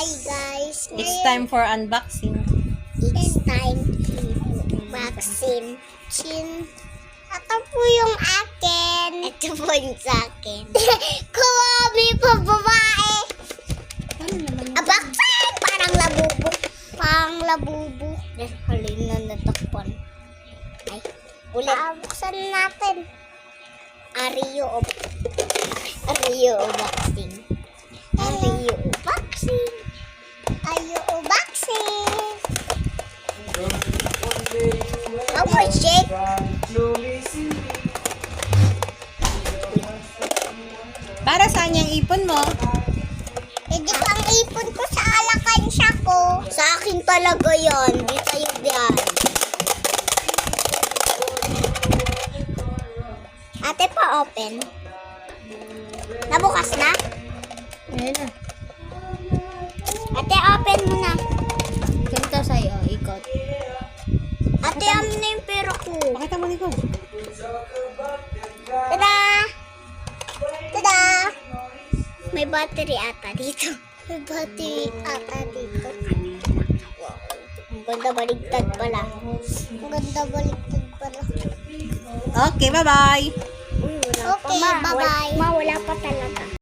Hi guys. It's time for unboxing. It's time vaccine. Ito po yung akin. Ito po yung sa akin. Kuwami po babae. Ano naman yun? Vaccine! Parang labubo. Parang labubo. Halin na natakpan. Ay, ulit. Buksan natin. Ario o vaccine. Ario o vaccine. Ario o vaccine. Power shake. Para saan yung ipon mo? Hindi pang ipon ko sa alakansya ko. Sa akin talaga yon. Di tayo diyan. Ate pa open. Nabukas na? Ayun na. Ate open mo na. Ganito sa'yo, ikot. Ate amin na yung pera ko. Pakita mo likod. Tada! Tada! May battery ata dito. May battery ata dito. Wow. Ang ganda baligtad pala. Ang ganda baligtad pala. Okay, bye-bye. Okay, bye-bye. Wala pa talaga.